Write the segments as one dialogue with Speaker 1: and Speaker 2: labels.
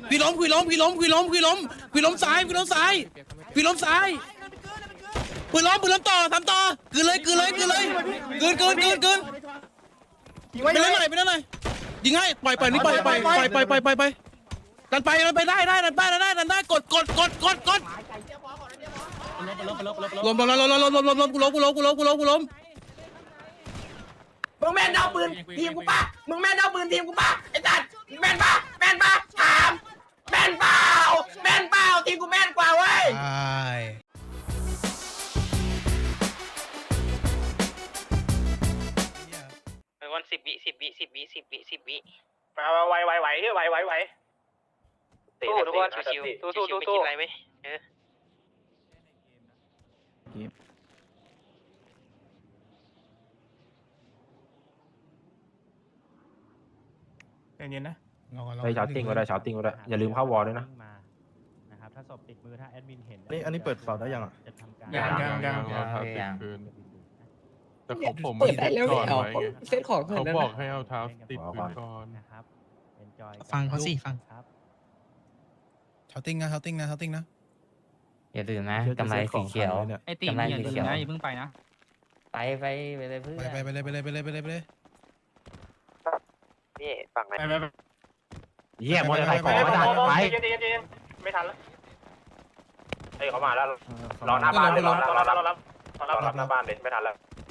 Speaker 1: พี่ล้มพี่ล้มพี่ล้มพี่ล้มพี่ล้มพี่ล้มซ้ายพี่ล้มซ้ายพี่ล้มซ้ายปืนล้มต่อทำต่อกืนเลยกืนเลยกืนเลยกืนไปเล่นหน่อยไปเล่นหน่อยยิงให้ปล่อยนี่ปล่อยดันไปได้ดันได้กดล้มกูล้ม
Speaker 2: มึงแม่นเอาปืนทีมกูปะมึงแม่นเอาปืนทีมกูปะไอ้จัดแม่นปะถามแม่นเปล่าทีมกูแม่นกว่าเว้ย
Speaker 3: วัน10 วิ
Speaker 2: ไหว
Speaker 3: สู้ทุกคนชิวๆไม่คิดอะไรไหม
Speaker 4: เย็นๆนะ
Speaker 5: ไปชาร์ติ้งก็ได้อย่าลืมเข้าวอลด้วยนะ
Speaker 6: นะครับถ้าศพติดมือถ้าแอดมินเห็น
Speaker 4: อันนี้เปิดเสาได้ยังอ่ะ
Speaker 6: จะทำการ
Speaker 4: ยัง
Speaker 7: แต่ของผม
Speaker 2: เปิดได้แล้ว
Speaker 7: ก่อน
Speaker 2: เอา
Speaker 7: ไว้ไง
Speaker 2: เซตของ
Speaker 7: เขาบอกให้เอาเท้าติดพื้นก่อน
Speaker 6: นะครับเป็นจอย
Speaker 1: ฟังเขาสิฟัง
Speaker 6: ครับ
Speaker 1: เท้าติ้งนะ
Speaker 8: อย่าลืมนะกำไรสีเขียว
Speaker 9: ไอตีนี่อย่าลืมนะอย่าเพิ่งไปนะ
Speaker 8: ไปเลยเพื่อน
Speaker 1: ไปเลย
Speaker 3: นี่ฝั่งไหน
Speaker 5: เยี่ยมมอเตอร์ไซค์ของอาจารย์ไป
Speaker 2: ไม่ทันแล้วเฮ้ยเขามาแล้วรอหน้าบ้านเลยรอรับหน้าบ้านเลยไม่ทันแล้ว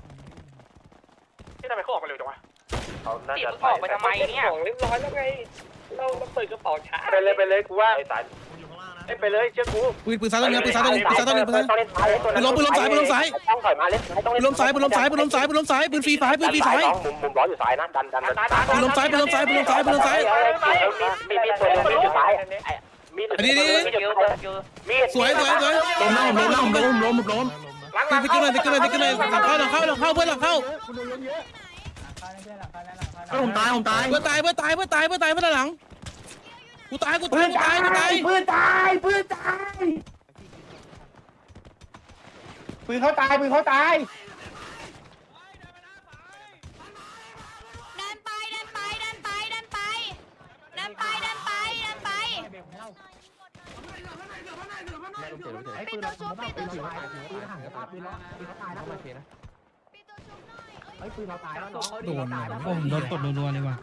Speaker 2: ที่ทำไมเขาออกมาเร็วจังวะเขาน่าจะออกไปทำไมเนี่ยเรียบร้อยแล้วไงเราเปิดกระเป๋าช้าไปเลยกูว่าไปเลยเชื่อกู
Speaker 1: ปืนซ้ายตัวนึงปืนซ้ายปืนล้มซ้าย
Speaker 2: ต้องถอยมาเล่น
Speaker 1: ปืนล้มซ้ายปืนฟรีซ้าย
Speaker 2: มุมล้ออยู่ซ้ายนะดัน
Speaker 1: ปืนล้มซ้าย
Speaker 2: มีตัวนึงอยู่ซ้ายมี
Speaker 1: สวยล้มขึ้นเลยหลังเข้าเพื่อนหลังเข้า
Speaker 4: ผมตาย
Speaker 1: เพื่อนตายเพื่อนหลังกูตายปืนตายปืนเขาตาย
Speaker 10: เดินไปปิดตัวชุบ
Speaker 1: โดนผมโดนกดรัวๆเลยว่ะ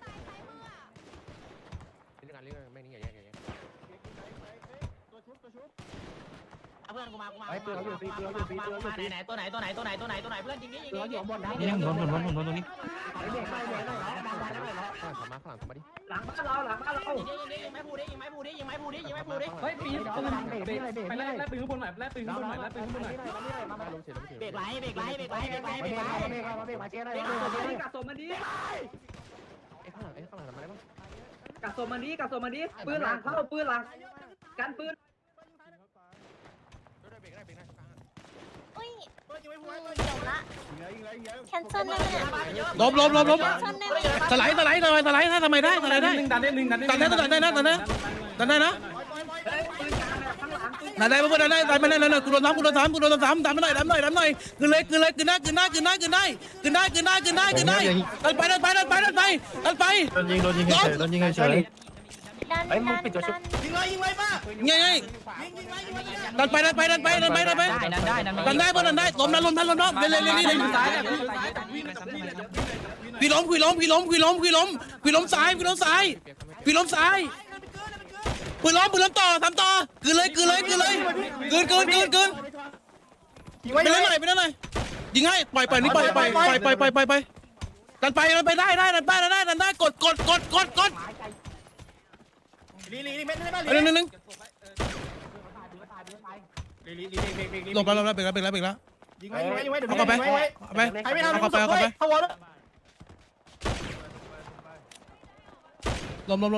Speaker 9: เพื่อนกูมาไหนตัวไหนเพื่อนจริงๆยิง
Speaker 1: นี่ผมโดนตรงนี้
Speaker 2: หลังบ้านเรา
Speaker 9: ยิงไม้พูดิเฮ้ยปีนไปไล่ปืนข้างบนหน่อยเบรกไล่กัดศพมันดิปืนหลังเข้าปืนหลังกันปืน
Speaker 10: แคนเซิลได้ไหม
Speaker 1: ล้มสไลด์ถ้าทำไมได้ดันได้นะดันเลยกูโดนซ้ำดันไปหน่อยกึนเลยกึนได้ดันไปโดนยิงเฉย
Speaker 10: ไอ้มึงปิดตัวชุบ
Speaker 2: ยิงเลยป้า
Speaker 1: ไงดันไปได้ล้มนั้นเล่นพี่ล้มซ้ายปืนล้มต่อทำต่อกืนเลยไปเล่นหน่อยยิงให้ปล่อยนี่ปล่อยดันไปได้กด
Speaker 2: ลีเม็ดได้ป่ะ
Speaker 1: นึงลงไปเบรกแล้ว
Speaker 2: ยิงไว้เดี๋ยว
Speaker 1: เอาไป
Speaker 2: ใครไม่ทำเข้าวอล
Speaker 1: ล้ม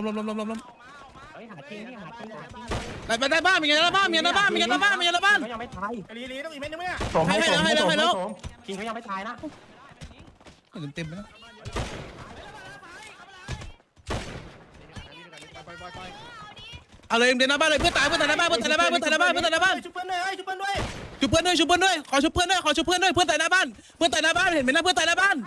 Speaker 1: ไปได้บ้านมีไงนะบ้าน
Speaker 2: ลีต้องอีกเม็ดนึงไหมอ่ะ
Speaker 1: ให้แล้ว
Speaker 5: คิงเขายังไม่ตายนะ
Speaker 1: เต็มไปแล้วเอาเลยเดินหน้าบ้านเลยเพื่อนตายหน้าบ้านชุบเพื่อนด้วยขอชุบเพื่อนด้วยเพื่อนตายหน้าบ้านเห็นไหมนะเพื่อนตายหน้าบ้าน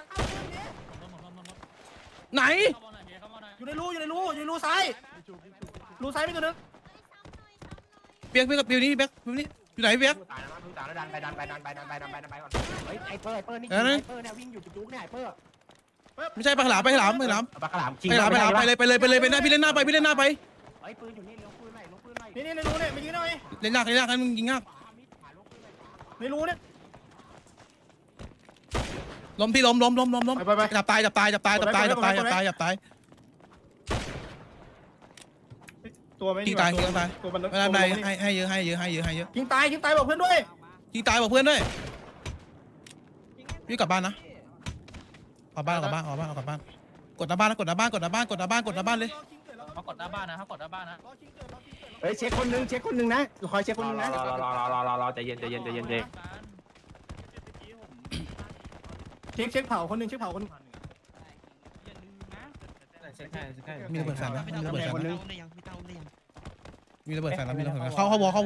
Speaker 1: ไหน
Speaker 2: อยู่ในรูซ้ายรูซ้ายมีตัวนึง
Speaker 1: เปียกกับปิวนี่เปียกปิวนี่อยู่ไหนเปียก
Speaker 5: ตายแล้วพึ่งตายแล้วดันไปก่อนเฮ้ยไอ้เปอร์นี่
Speaker 1: เออนะ
Speaker 5: ไอ้เปอร์เนี่ยวิ่งอยู่จุ๊กๆเนี่ยไอ้เปอร์
Speaker 1: ไม่ใช่ปลาฉลามไปฉลาม
Speaker 5: ปลากระหล่ำจริง
Speaker 1: ไปเลยไปหน้าพี่เล่นหน้าไป
Speaker 5: ไอ้ปืนอยู่นี่เลี้ยวปืนหน่อยลงปืนหน่อย
Speaker 2: นี่ในรูเนี่ยมายิงหน่อย
Speaker 1: เล่นหน้าให้มึงยิงหน้า
Speaker 2: ในรูเนี่ย
Speaker 1: ล้มพี่ล้ม
Speaker 2: ไป
Speaker 1: จับตาย
Speaker 2: ตัวไม่
Speaker 1: ยิงตาย
Speaker 2: ตัวมัน
Speaker 1: ไม่ได้ให้เยอะ
Speaker 2: ยิงตายบอกเพื่อนด้วย
Speaker 1: ยิงตายบอกเพื่อนด้วยพี่กลับบ้านนะเอาบ้านกดหน้าบ้านเลย
Speaker 9: เขากดหน้าบ้านนะเขากดหน้าบ้านนะ
Speaker 4: เฮ้ยเช็คคนนึงนะคอยเช็คคนนึงนะ
Speaker 5: รอใจเย็น
Speaker 2: เช็คเผาคนนึงเช็คเผาคน
Speaker 1: มีระเบิดแฟนนะ
Speaker 4: คนนึง
Speaker 1: เข้าวอ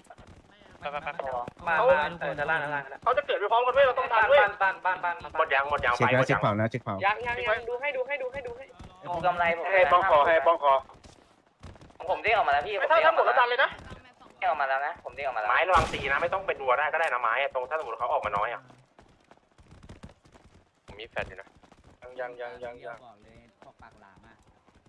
Speaker 2: เขาจะเกิดไปพร้อมกันด้วยเราต้องทันด้วย
Speaker 5: หมดยัง
Speaker 4: เช็คนะเช็คเผานะเช็คเผา
Speaker 3: ยังดูให้ผมกำไรผม
Speaker 5: ให้ป้องคอ
Speaker 3: ของผมเด้งออกมาแล้วพี่
Speaker 2: ถ้าหมดแล้วดันเลยนะ
Speaker 3: เด้งออกมาแล้วนะผมเด้งออกมาแล้ว
Speaker 5: ไม้ระวังตีนะไม่ต้องเป็นวัวได้ก็ได้นะไม้ตรงถ้าสมมติเขาออกมาน้อยอ่ะผมมีแฟนอยู่นะยัง
Speaker 8: บอกเลยพวกปากหลามอ่ะ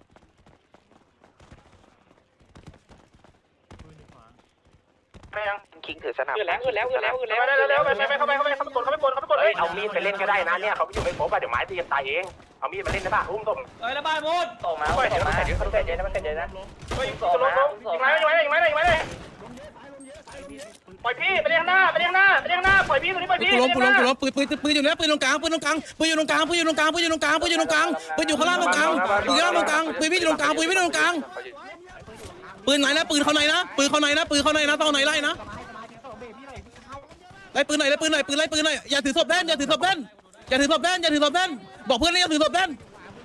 Speaker 5: คิงถือสนับ
Speaker 3: ขึ้นแล้ว
Speaker 2: ไปเข้าไปกด
Speaker 5: เฮ้ยเอามีดไปเล่นก็ได้นะเนี่ยเขาอยู่ไม่ครบอ่ะเดี๋ยวไม้ตีกันตายเองเอามีดมาเล่นได้ป่ะอุ้มต้ม
Speaker 9: เอ้ยแล้วบ้านมุด
Speaker 3: ตกมา
Speaker 5: ปล่อยเดี๋ยวมันเสร็จเดี๋ยวมันเสร็จเย็นนะมันเสร็จเย็นนะ
Speaker 2: ยิงไม้เลยปล่อยพี่ไปเรียงหน้าปล่อยพี่ตัวนี้ปล่อยพี่
Speaker 1: กูล้มปืนอยู่เนี่ยปืนตรงกลางปืนอยู่ข้างล่างตรงกลางปืนอยู่พี่อยู่ตรงกลางปืนไหนนะปืนเข้าในนะต้องไหนไล่นะไล่ปืนหน่อยอย่าถือศพแดนบอกเพื่อนเลยอย่าถือศพแดน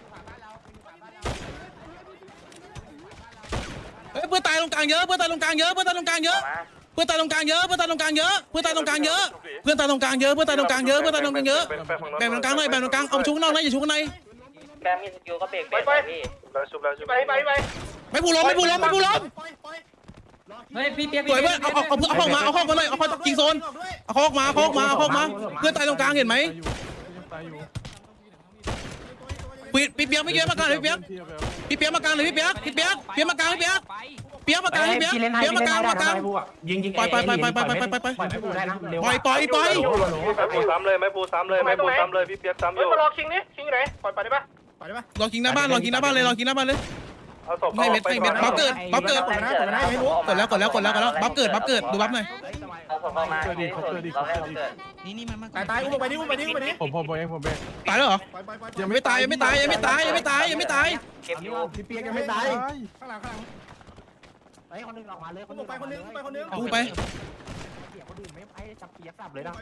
Speaker 1: เฮ้ยเพื่อนตายตรงกลางเยอะเพื่อนตายตรงกลางเยอะเอาชุกนอกนะอย่าชุกใน
Speaker 3: แบมมีสกิลก็เบรกพี่
Speaker 1: ไม่พูล้ม
Speaker 9: เฮ้ยพี่เปียก
Speaker 1: สวยเว้ยเอาเข้ามาหน่อยเอาเข้ายิงโซนเอาเข้าออกมาเพื่อนตายตรงกลางเห็นไหมพี่เปียกไม่เกี่ยวมากลางเลยพี่เปียกมากลางเลยพี่เปียกมากลาง
Speaker 5: ยิงไปไม่ปูซ้ำเลยพี่เปียกซ้ำอยู่
Speaker 2: มารอคิงนี่คิงอยู่ไหนปล่อยได้ปะ
Speaker 1: รอกินหน้าบ้านเลย
Speaker 5: เอาศพ
Speaker 1: ไม่เม็ดบัฟเกิดบัฟเกิดบัฟเกิดดูบัฟหน่อย
Speaker 3: เอาศพเข้ามาเราให้เขาเกิด
Speaker 2: ตายอุ้มไปดิ
Speaker 7: ผมเอง
Speaker 1: ตายแล้วเหรอยังไม่ตาย
Speaker 3: เก็บอยู่
Speaker 4: พี่เปียกยังไม่ตาย
Speaker 2: ข้างหลัง
Speaker 5: เฮ้ยคนนึงออกมาเลย
Speaker 2: อุ้มไปคนนึง
Speaker 1: กูไป
Speaker 5: เปียกคนอื่นไม่ไปจับเปียกสับเลยนะ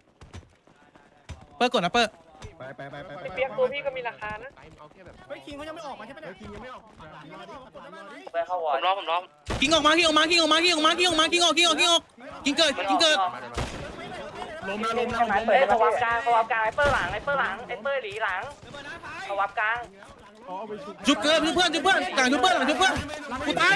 Speaker 1: เปิดก่อนนะเปิด
Speaker 2: ไปเปียกตัวพี่ก็มีราคานะเฮ้ยคิงเขายังไม่ออกมาใช่ไหมเนี่ยคิงยังไม่ออก
Speaker 3: เพื่อเข้าวอร์ดผมล้อม
Speaker 1: กิงออกกิงเกิด
Speaker 4: ล้ม
Speaker 3: เฮ้ยเขาวับกลางไอ้เปอร์หลังไอ้เปอร์หลีหลังเขาวับกลาง
Speaker 1: จุบเกิดเพื่อนกลางจุบเพื่อนกูตาย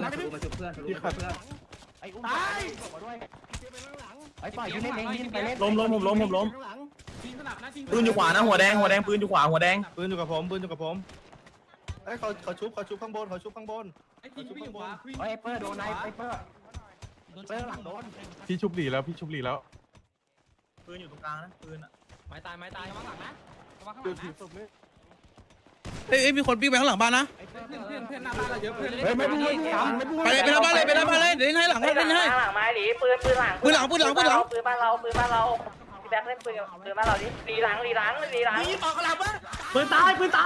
Speaker 5: ไอ้อุ้มไอ้ปล่อยยิงเล่นไปเล่น
Speaker 4: ล้มปืนอยู่ขวานะหัวแดงปืนอยู่ขวาหัวแดงปืนอยู่กับผมเอ้ยเขาชุบข้างบน
Speaker 5: ไอ้เปอร์โดนไอ้เปอร์หลังโดน
Speaker 7: พี่ชุบหลีแล้ว
Speaker 4: ปืนอยู่ตรงกลางนะปืนอ่ะ
Speaker 9: ไม้ตายระวังหลังนะระวังข้างห
Speaker 7: เดี๋ยว
Speaker 9: ลัง
Speaker 7: ถีบ
Speaker 9: นะ
Speaker 7: ศพนี้
Speaker 1: เอ้ยมีคนปิ้งไปข้างหลังบ้านนะ
Speaker 9: เพื่อนหน้าบ้านเราเยอะเพื่อน
Speaker 4: เฮ้ยไม่พูด
Speaker 1: ไปหน้าบ้านเลยเดี๋ยวให้หลัง
Speaker 3: หลังไม้หลีปืนหลังปืนบ้านเราพี่แบ็คเล่นปืนบ้านเราดิหลีหลัง
Speaker 2: ยิงออกกระหล่ำวะ
Speaker 4: ปืนตายปืน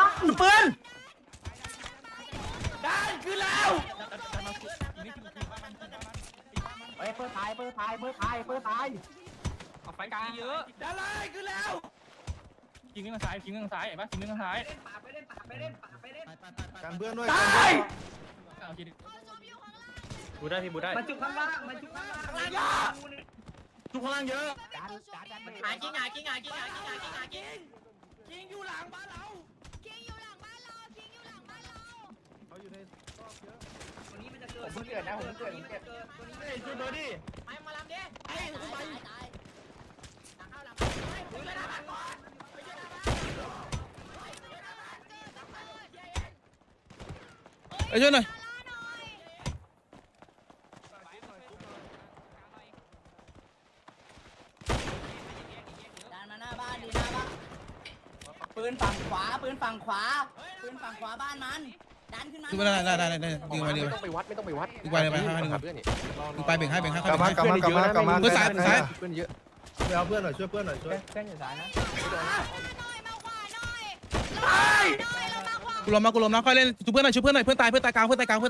Speaker 2: ได้ขึ้นแล้ว
Speaker 5: ไอ้เปอร์ตาย
Speaker 9: เอาไฟกลางเยอะ
Speaker 2: ได้เลยขึ้นแล้ว
Speaker 9: ยิงข้างซ้ายเห็นปะยิงข้างซ้าย
Speaker 4: กันเบื้องด้วย
Speaker 9: เอาทีนึง
Speaker 4: บูได้พี่บูได้
Speaker 2: มันจุกข้างล่างทุกข้างล่างเยอะหากิ้งอยู่หลังบ้านเรา
Speaker 4: เขาอยู่ในรอบเยอะ
Speaker 2: เกิดนะผมเกิด
Speaker 4: ช่วยเบอร์ดิ
Speaker 9: ไปมาลำดิไอ้กูไปหลังเข้าหลังมึงเลยนะมันก่อน
Speaker 1: ไอ้ช่วยหน่อย
Speaker 8: ดันมาหน้าบ้านดีหน้าบ้านปืนฝั่งขวาปืนฝั่งขวาปืนฝั่งขวาบ้านมันดันขึ้นมา
Speaker 1: ดูไปได้ดึงไปดึง
Speaker 2: ไม่ต้องไปวัดไม่ต้องไปวัด
Speaker 1: ดึงไปเลยไปให้ดึงไปดึงไปเบ่งให้เข้าเบ่งให้
Speaker 7: กลับมากลับมา
Speaker 1: เพื่อนซ้ายซ้าย
Speaker 2: เพื่อนเยอะ
Speaker 4: ไปเอาเพื่อนหน่อยช่วยเพื่อนหน่อยช่วย
Speaker 8: เส้นอยู่ซ้ายนะ
Speaker 1: กูล้มนะค่อยเล่นช่วยเพื่อนหน่อยเพื่อนตายกลางเพื่อนตายกลาง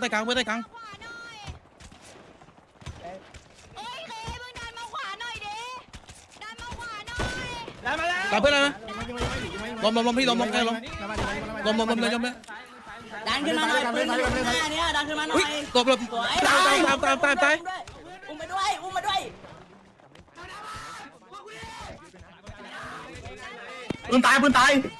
Speaker 4: ได้มาแล้ว
Speaker 1: ตามเพื่อนนะล้มพี่ล้มใกล้ล้มเลย
Speaker 8: ดันขึ้นมาหน่อยปืนอยู่ข้างหน้าเนี่ยดันขึ้นมาหน่อ
Speaker 1: อุ้ย
Speaker 8: ย
Speaker 1: ตบแบบตาย
Speaker 8: อุ้มไปด้วยอุ้มมาด้วย
Speaker 4: ปืนตาย
Speaker 2: ไป
Speaker 4: ปืนตาย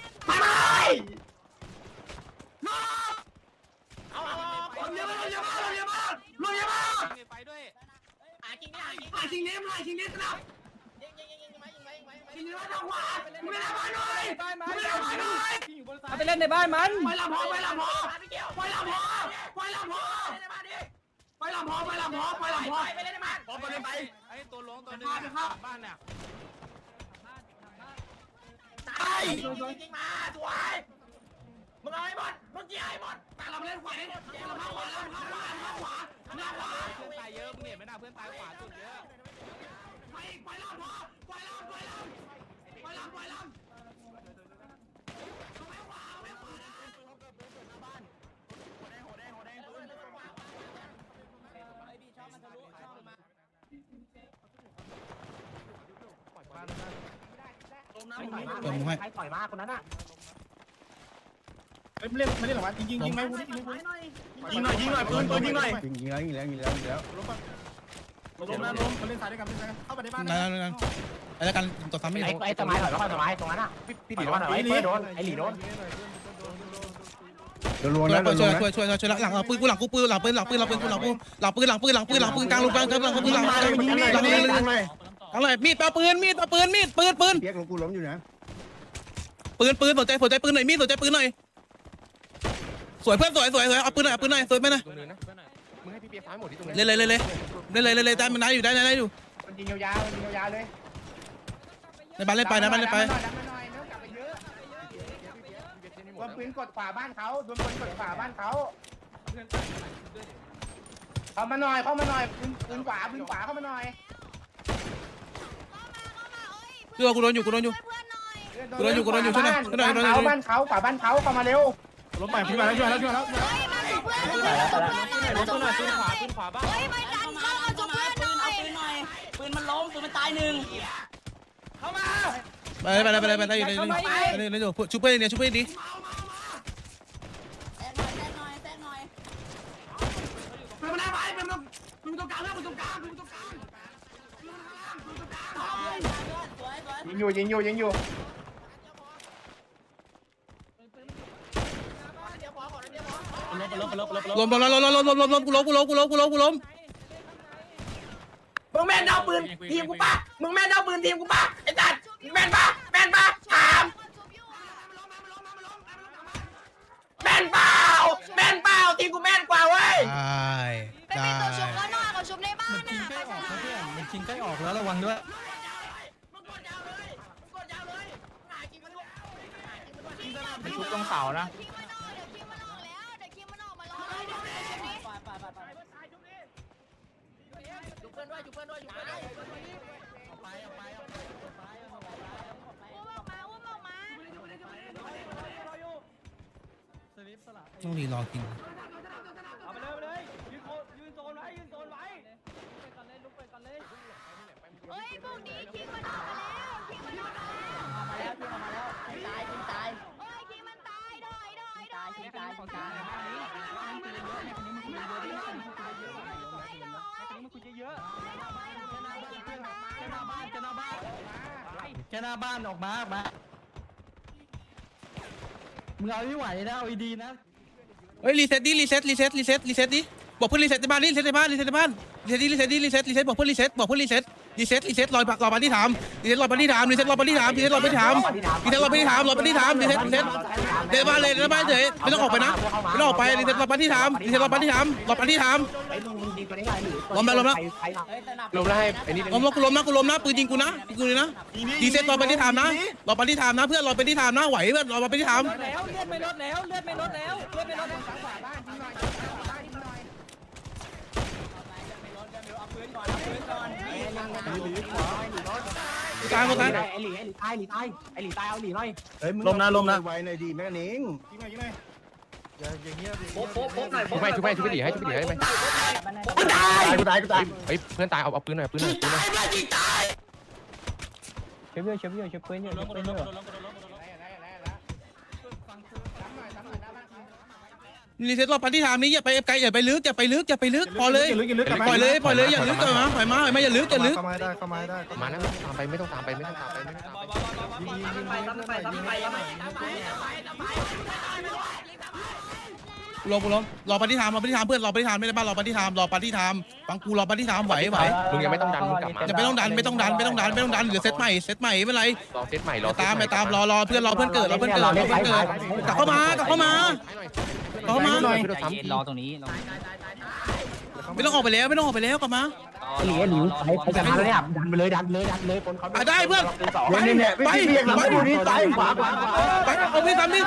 Speaker 2: เอาลงเยอะมากลงเยอะมากไปด้วย
Speaker 9: หาจริงดิหาจริง
Speaker 2: หาชิงเนมสนับ
Speaker 9: ยิงมา
Speaker 2: ชิงเนมทางขวาไม่ได้มาหน่อยไม่ได้มาหน่อย
Speaker 8: เอาไปเล่นในบ้านมัน
Speaker 2: ไปลำพอไปลำพอไปลำพอไปลำพอไปลำพอไปลำพอไปลำพอ
Speaker 9: ไปเล่นในบ้าน
Speaker 4: พอไปเลยไป
Speaker 2: ไอ้ตัวลงตัวนึงบ้านเนี่ย
Speaker 9: ตายยิงมาสวยมึงเอาให้หมดมึงเกี่ยให้หมด
Speaker 2: แต่เราเล่นขวาเราเข้าขวาเราเข้าขวาเราเข้าขวาหน้าขวา
Speaker 3: เพื่อนตายเยอะมึงเห็นไหมนะเพื่อนตายขวาสุดเยอะ
Speaker 2: ไปลำพอไปลำไปลำ
Speaker 1: เดี๋ยวมึงให้
Speaker 9: ใครต่อยมาคนนั้นอ่ะ
Speaker 4: ไม่เล่นหรอวะยิงไหมยิงหน่อยปืนยิงหน่อย
Speaker 7: ยิงแล้ว
Speaker 4: ล้มนะล้มมาเล่นสายด้วยกันเข้าไปในบ้าน
Speaker 1: นั่นไอ้แล้วกันตัวซ้ำไม่
Speaker 9: ไอ้ต้นไม้ถอยแล้วต้นไม้ตรงนั้นอ่ะ
Speaker 4: พี่
Speaker 9: ถ
Speaker 4: ดิ
Speaker 9: อยว่าหน่อยไอ้เพื่อโดนไอ้หลีโดน
Speaker 7: รัวๆนะรัวๆนะ
Speaker 1: ช่วยหลังปืนกูหลังปืนกลางลงกลางอะไรมีดปาปืน
Speaker 7: เปียกของกูล้มอยู่นะ
Speaker 1: ปืนสนใจปืนหน่อยมีดสนใจปืนหน่อยสวยเพื่อนสวยเอาปืนหน่อยสวยไปหน่อย
Speaker 2: ตรงนึงนะมึงให้พี่เปียกซ้ายหมดที่ตรงนี้
Speaker 1: เลยได้มันได้อยู่
Speaker 9: มันยิงยาวเลย
Speaker 1: ในบ้านเล่นไป
Speaker 9: ดันมาหน่อยกลับไปเยอะโดนปืนกดขวาบ้านเขาโดนปืนกดขวาบ้านเขาเข้ามาหน่อยปืนขวาเข้ามาหน่อย
Speaker 1: กูโดนอยู่ช่วยหน่อย
Speaker 9: บ้านเขาขวาบ้านเขาเข้ามาเร็ว
Speaker 4: ล้มไปพี่มาแล้วช่วยแล้ว
Speaker 8: ปืนขวาบ้านเฮ้ยไปดันเข้าเอาปืนหน่อยปืนมันล้มปืนมันตายหนึ่ง
Speaker 1: ไปอยู่ชุบเพื่อนดี
Speaker 8: แทรกหน่อย
Speaker 2: ปืนมันได้ไปปืนตรงกลางปืนตรงกลาง
Speaker 9: ยิงอยู่
Speaker 1: ล้มกูล้ม
Speaker 2: มึงแม่นเอาปืนทีมกูป่ะมึงแม่นเอาปืนทีมกูป่ะไอ้สัตว์แม่นป่ะถามแม่นเปล่าทีมกูแม่นกว่าเว้ย
Speaker 1: ได้
Speaker 10: ตัวชุบแล้วหน่อยเขาชุบในบ้านน่ะ
Speaker 4: มันชิงใกล้ออกแล้วระวังด้วย
Speaker 2: มึงกดยาวเลยหากินมันด้วย
Speaker 9: ชุบตรงเสานะ
Speaker 10: คิงมันออกเดี๋ยวคิงมันออกแล้วเดี๋ยวคิงมันออกมาล้อเลยเดี๋ยวนี้
Speaker 9: จุบเพื่อนด้วย
Speaker 10: อุ้มออกมา
Speaker 1: ต้องรีรอกิน
Speaker 9: เอาไปเลยยืนโซนไว้
Speaker 10: เฮ้ยพวกนี้คิงมันออกมาแล้วคิงมันออกมาแล้ว
Speaker 8: มาแล้วตาย
Speaker 10: เฮ้ยคิงมันตายดอย
Speaker 4: แค่หน้าบ้านออกมามึงเอาไม่ไหวนะเอาดีนะ
Speaker 1: เฮ้ยรีเซ็ตดิบอกเพื่อนรีเซ็ตในบ้านรีเซ็ตในบ้านรีเซ็ตในบ้านรีเซ็ตรีเซ็ตรีเซ็ตบอกเพื่อนรีเซ็ตบอกเพื่อนรีเซ็ตรีเซ็ตรีเซ็ตรอปาร์ตี้ถามรีเซ็ตรอปาร์ตี้ถามรีเซ็ตรอปาร์ตี้ถามรีเซ็ตรอปาร์ตี้ถามรีเซ็ตรอปาร์ตี้ถามรอปาร์ตี้ถามรีเซ็ตรีเซ็ตเดินบ้านเลยเดินบ้านเฉยไม่ต้องออกไปนะไม่ต้องออกไปรีเซ็ตรอปาร์ตี้ถามรีเซ็ตรอปาร์ตี้ถามรอปาร์ตี้ถามล้มแล้วล้มแล้ว
Speaker 8: ลมแล้วให้ไอ้นี่
Speaker 1: ล้มแล้วกูล้มนะปืนยิงกูนะกูเลยนะรีเซ็ตรอปาร์ตี้ถามนะรอปาร์ตี้ถามนะเพื่อนรอปาร์ตี้ถามนะไหวเพื่อนรอปาร์ตี้ถาม
Speaker 8: แล้วเลือดไม่ลดแล้วเลือดไม่ลดแล้วเลือดไม่ลดแล้ว
Speaker 1: ตายหมดตาย
Speaker 5: ไอ้หลีตายเอาหลีหน่อย
Speaker 7: เฮ้ยมึง
Speaker 4: ลมนะลมนะ
Speaker 7: ไวหน่อยดีแม่กันเอง
Speaker 2: โป๊ะหน่อย
Speaker 5: ชุบไปดิให้ไหม
Speaker 7: กูตายกูตายกูตาย
Speaker 5: เฮ้ยเพื่อนตายเอาปืนหน่อยปืนหน่อยปืนหน่อยเชื่อเพื่อนเชื่อเพื่อนเชื่อเพื่อนเชื่อเพื่อน
Speaker 1: รีเซ็ตรอปาร์ตี้ถามนี้อย่าไปไกลอย่าไปลึกอย่าไปลึกอย่าไปลึกพอเลยปล่อยเลยอย่าลึกกันมาปล่อยมาอย่าลึกอย่าลึก
Speaker 7: เข้ามาได้เข้ามาได้
Speaker 5: มานะไม่ต้องตามไปไม่ต้องตามไปไม่ต้องตามไป
Speaker 1: รอปาร์ตี้ถามเพื่อนรอปาร์ตี้ถามไม่ได้บ้านรอปาร์ตี้ถามฟังกูรอปาร์ตี้ถามไหว
Speaker 5: มึงยังไม่ต้องดันมึงกลับมา
Speaker 1: อย่าไม่ต้องดันเดี๋ยวเซตใหม่ไม่เป็นไร
Speaker 5: รอเซตใหม่รอ
Speaker 1: ตามรอเพื่อนเกิดกลับเข้ามาหน่อย
Speaker 6: รอตรงนี้
Speaker 1: ไม่ต้องออกไปแล้วกลับมา
Speaker 5: หลีไปจับมาเลยอ่ะดันไปเลยคนเขา
Speaker 1: ได้เพื่อนไปเอาพี่ทำดิ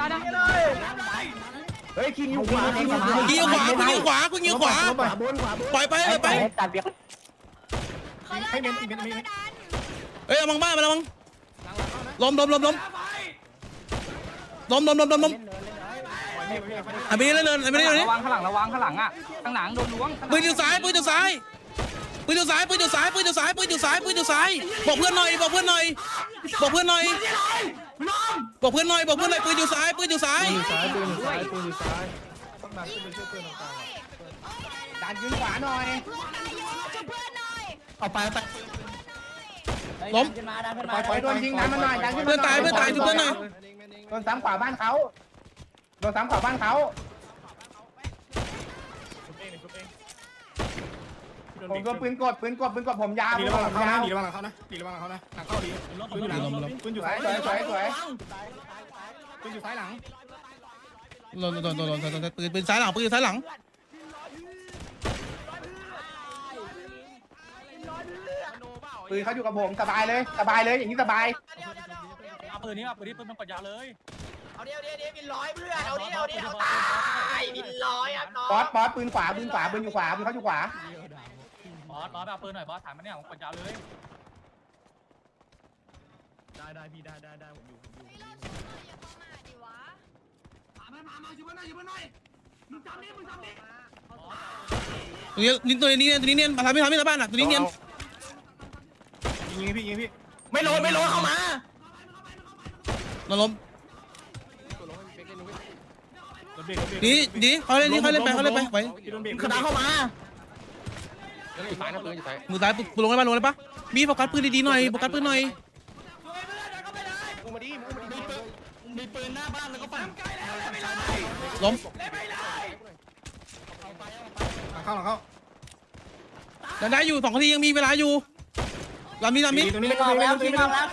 Speaker 7: เฮ้ยคิงอยู่ขวา
Speaker 1: ยิงขวาปล่อยไป
Speaker 5: ตัดเบียร์
Speaker 10: ให้เมนอีกเมน
Speaker 1: เอ้ยเอามังบ้านมาแล้วมังล้มอันนี้เนินนี่
Speaker 8: ระวังข้างหลังอ่ะข้างหลังโดนล้วง
Speaker 1: ปืนอยู่ซ้ายบอกเพื่อนหน่อยบอกเพื่อนหน่อยปืนอยู่ซ้าย
Speaker 7: ซ้ายต้องดันขึ้นไปช่วยเพื่อนตรงกลาง
Speaker 9: ดันขึ้นขวาหน่อย
Speaker 1: เอาไป
Speaker 8: ล้มขึ้นมาดันขึ้นมา
Speaker 9: ปล่อยโดนยิงดันมันหน่อยดันขึ้น
Speaker 1: เพื่อนตายชุบเพื่อนหน่อย
Speaker 9: โดนซ้ำขวาบ้านเขาผมโดนปืนกดผมยาวดีระวังเขานะหลังเข้าดีปืนอยู่ซ้ายสวยปืนอยู่ซ้ายหลัง
Speaker 1: โดนปืนซ้ายหลัง
Speaker 9: ปืนเขาอยู่กับผมสบายเลยอย่างนี้สบาย
Speaker 8: ปืนมันกดยาวเลย
Speaker 2: เอาเดี๋ยวบินร้อยเพื่อนเอาตายบินร้อยอ่ะน้อง
Speaker 9: บอสปืนขวาปืนอยู่ขวาปืนเขาอยู่ขวา
Speaker 8: บอสเอาปืนหน่อยบอสถามมันเนี่ยผมกดยาวเลย
Speaker 4: ได้พี่ได้ผมอยู่
Speaker 1: ตัวนี้มาทำไม่บ้านตัวนี้เนียน
Speaker 4: ยิงพี่
Speaker 2: ไม่โลเข้ามา
Speaker 1: มาล้มดีเขาเล่นไปไว้
Speaker 2: ขนาดเข้ามา
Speaker 5: อยู่ซ้ายนะปืนอยู่ซ้าย
Speaker 1: มือซ้ายลงได้ปะมีโฟกัสปืนดีๆหน่อยโฟกัสปืนหน่อยล้ม
Speaker 7: เข้า
Speaker 1: ได้อยู่2 นาทียังมีเวลาอยู่ลามี
Speaker 9: ตรงนี้
Speaker 8: คิงออกแล้วคิงออก
Speaker 1: ตาย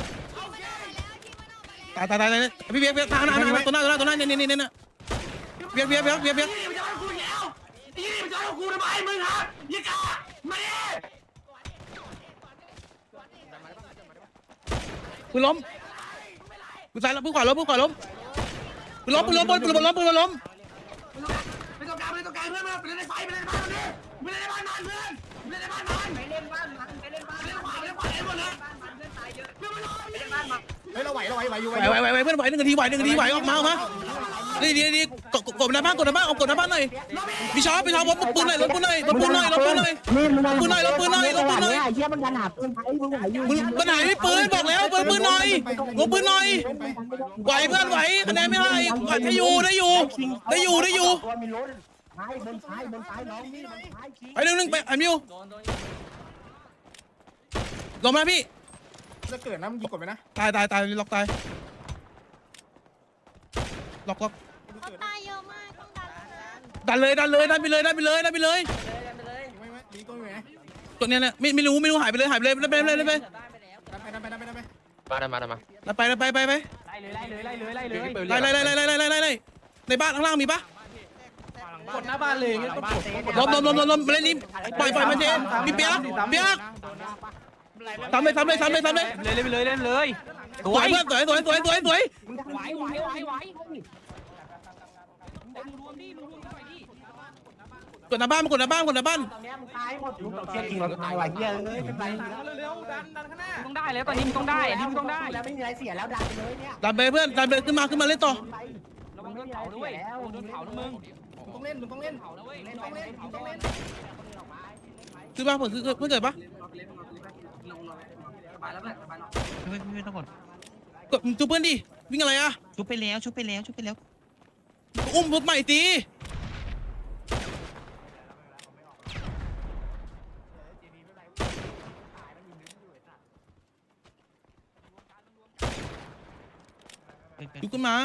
Speaker 1: พี่เบียร์ทางหน้าตัวหน้าเนี่ยเบียร์ปืนล้มปืนซ้ายแล้วปืนขวาล้มปืนล้มไม่ต้องการเพื่อนมาไปเล่นในไฟไปเล่นในบ้านมันเฮ้ยเราไหวอยู่เพื่อนไหว1 นาทีไหวออกมาดีกดหน้าบ้านหน่อยพี่ชอบปืนหน่อยลบปืนหน่อยเฮียมันดันหาปืนปัญหาไม่ปืนบอกแล้วปืนหน่อยลบปืนหน่อยไหวเพื่อนไหวคะแนนไม่ให้ได้อยู่ไป1 ไปอันมิวลงมาพี่
Speaker 9: จะเกิดนะมึงยิงกดไปนะ
Speaker 1: ตายล็อกตายล็อก
Speaker 10: ตายเยอะมากต้องดัน
Speaker 1: ดันเลยดันเลยดันไปเลยดันไปเลยดันไปเลย
Speaker 9: ไม่ดีตัวไหน
Speaker 1: ตัวเนี้ยเนี่ยไม่รู้หายไปเลยหายไปเลยไปเลยไป
Speaker 9: ดันไป
Speaker 1: ไป
Speaker 5: ไล่เลยไล่เลยไล่เลยไล่เลย
Speaker 1: ไล่ในบ้านข้างล่างมีปะ
Speaker 5: กดหน้าบ้านเลยงั้นต้องกด
Speaker 1: ล้มมาเล่นนี้ปล่อยมาเจนมีเปียกทำเลย
Speaker 5: เล่นไปเลยเล่นเลย
Speaker 1: สวยเพื่อนสวย
Speaker 5: ไหวไหวไหว
Speaker 1: กดหน้าบ้านมากดหน้าบ้าน
Speaker 5: เร็วดันข้างหน้าต้องได้แล้วตอนนี้มึงต้องได้อันนี้มึงต้องได้
Speaker 8: แล้วไม่มีอะไรเสียแล้วดันไปเลยเนี่ย
Speaker 1: ดันไปเพื่อนดันไปขึ้นมาเล่นต่อ
Speaker 5: ระวังโดนเผาด้วยโดนเผานะมึง
Speaker 9: ต้องเล่นต้องเล่น
Speaker 5: เผานะเว้ย
Speaker 9: ต้องเล่นต้องเล่น
Speaker 1: ขึ้นมาเพื่อนเกิดปะไม่ต้องกดจูเพื่อนดิวิ่งอะไรอะชุบไปแล้วอุ้มรถใหม่ตีลุกขึ้นมา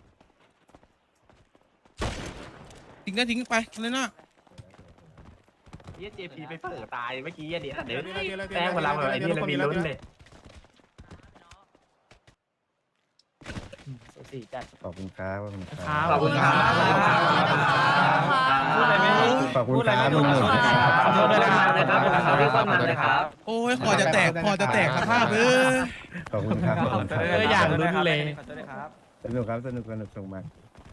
Speaker 1: ทิ้งไปเลยนะ
Speaker 4: เจพีไปเปิดตายเมื่อกี้เดี๋ยว
Speaker 9: แต้งเวลาแบบไอ้นี่เรามีลุ้นเลย
Speaker 7: ขอบคุณครับ
Speaker 4: ขอบคุณครับ
Speaker 5: พูดอะไรไม่รู้
Speaker 7: ขอบคุณครับลุงหนุ่ม
Speaker 5: ขอโทษด้วยนะครับ
Speaker 1: โอ้ยพอจะแตกสภาพ
Speaker 7: ขอบคุณครับ
Speaker 5: อยากลุ้นเลย
Speaker 7: สนุกครับสนุกส่งมา